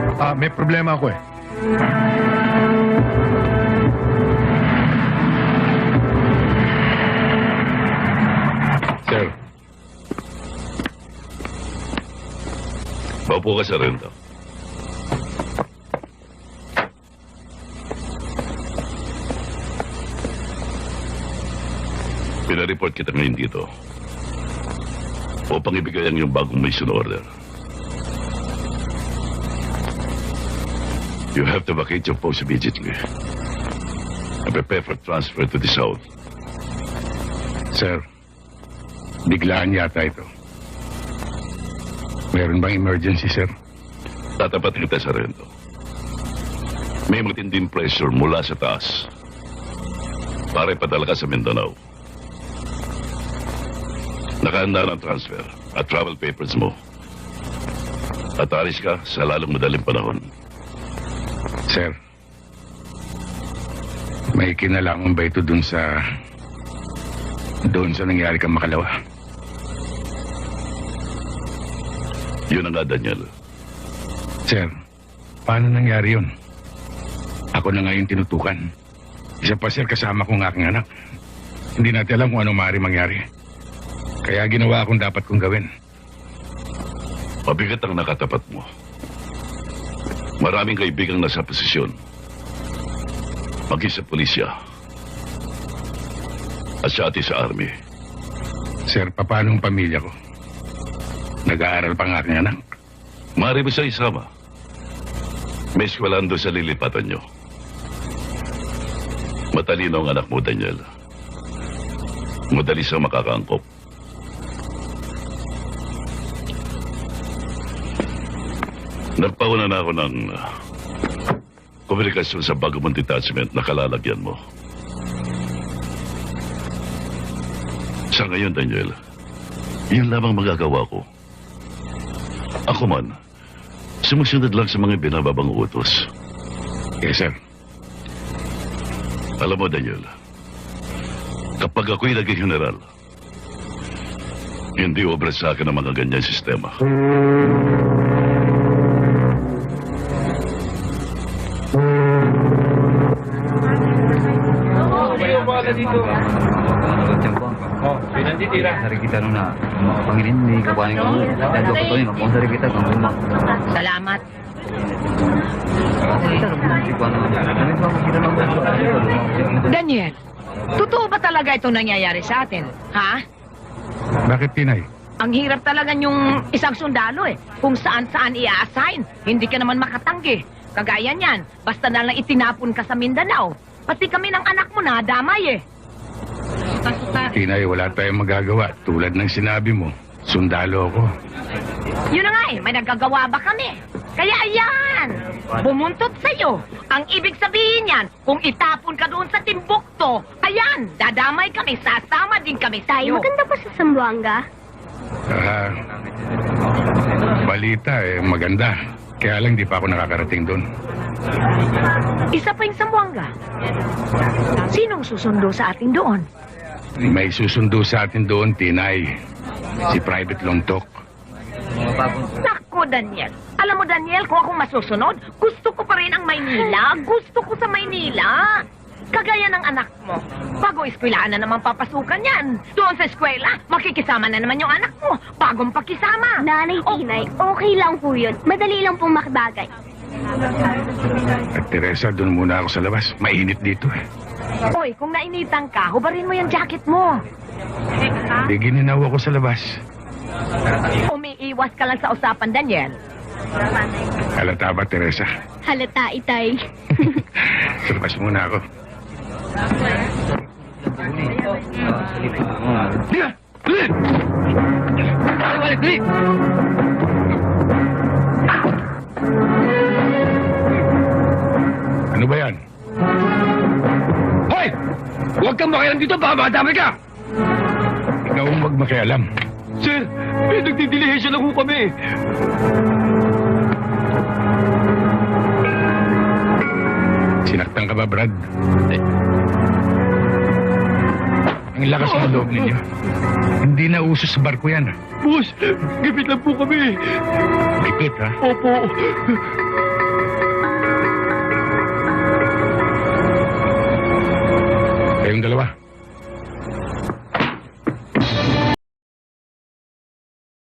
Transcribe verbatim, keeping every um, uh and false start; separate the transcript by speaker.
Speaker 1: Ah, may problema ako eh.
Speaker 2: Sir. Maupo ka sa renta. Pinareport kita ngayon dito upang ibigay ang iyong bagong mission order. You have to vacate your post immediately and prepare for transfer to the south.
Speaker 1: Sir, biglaan yata ito. Meron bang emergency, sir?
Speaker 2: Tatapat kita sa rento. May matinding pressure mula sa taas para ipadala ka sa Mindanao. Nakahanda ng transfer at travel papers mo. At alis ka sa lalong madaling panahon.
Speaker 1: Sir, may kinalaman ba ito dun sa... doon sa nangyari kang Makalawa?
Speaker 2: Yun na nga, Daniel.
Speaker 1: Sir, paano nangyari yun? Ako na ngayon tinutukan. Isa pa, sir, kasama ko ng aking anak. Hindi natin alam kung ano maaari mangyari. Kaya ginawa akong dapat kong gawin.
Speaker 2: Mabigat ang nakatapat mo. Maraming kaibigang nasa posisyon. Maging sa pulisya. At siya ati sa army.
Speaker 1: Sir, paano ang pamilya ko? Nag-aaral pa ng aking anak.
Speaker 2: Maaari mo siya isama. May eskwelahan doon sa lilipatan nyo. Matalino ang anak mo, Daniel. Madali siyang makakaangkop. Nagpauna na ako ng uh, komunikasyon sa bago mong detachment na kalalagyan mo. Sa ngayon, Daniel, yun lamang magagawa ko. Ako man, sumusunod lang sa mga binababang utos.
Speaker 1: Yes, sir.
Speaker 2: Alam mo, Daniel, kapag ako'y naging general, hindi obra sa akin ang mga ganyan sistema.
Speaker 3: Dito. Oh, pinanditira. Dari kita nuna, pangilin ni kapanin ko. Dado ko to yun, kung dari kita kung lima.
Speaker 4: Salamat. Daniel, totoo ba talaga itong nangyayari sa atin? Ha?
Speaker 1: Bakit, Tinay?
Speaker 4: Ang hirap talaga yung isang sundalo eh. Kung saan-saan i-assign, hindi ka naman makatanggi. Kagaya niyan, basta na lang itinapon ka sa Mindanao. Pati kami ng anak mo na damay eh.
Speaker 1: Tinay, wala tayong magagawa. Tulad ng sinabi mo, sundalo ako.
Speaker 4: Yun na nga eh, may nagagawa ba kami? Kaya ayan, bumuntot sa'yo. Ang ibig sabihin yan, kung itapon ka doon sa Timbukto, ayan, dadamay kami, sasama din kami
Speaker 5: Tay,
Speaker 4: sa'yo.
Speaker 5: maganda pa sa Zamboanga?
Speaker 1: Ah, balita eh, maganda. Kaya lang di pa ako nakakarating doon.
Speaker 4: Isa pa yung Zamboanga. Sinong susundo sa atin doon?
Speaker 1: May susundo sa atin doon, Tinay. Si Private Longtok.
Speaker 4: Naku, Daniel. Alam mo, Daniel, kung ako masusunod, gusto ko pa rin ang Maynila. Gusto ko sa Maynila. Kagaya ng anak mo. Bago eskwelahan na naman papasukan yan. Doon sa eskwela, makikisama na naman yung anak mo. Bagong pakisama.
Speaker 5: Nanay,
Speaker 4: Oh.
Speaker 5: Tinay, okay lang po yun. Madali lang pong makibagay.
Speaker 1: At Teresa, doon muna ako sa labas. Mainit dito eh.
Speaker 4: Hoy, kung nainitan ka, hubarin mo yung jacket mo.
Speaker 1: Di gininaw ako sa labas.
Speaker 4: Umiiwas ka lang sa usapan, Daniel.
Speaker 1: Halata ba, Teresa?
Speaker 5: Halata, Itay.
Speaker 1: Sa labas muna ako. Dila! Dali! Dali! Dali! Ano ba yan? Hoy! Huwag kang makialam dito, baka madamay ka! Ikaw ang magmakialam.
Speaker 3: Sir, may nagdidilihisyon lang ho kami.
Speaker 1: Sinaktan ka ba, Brad? Ang lakas ng loob ninyo. Hindi na uso sa barko yan.
Speaker 3: Boss, gipit lang po kami.
Speaker 1: Lipit, ha?
Speaker 3: Opo.
Speaker 1: Kayong dalawa.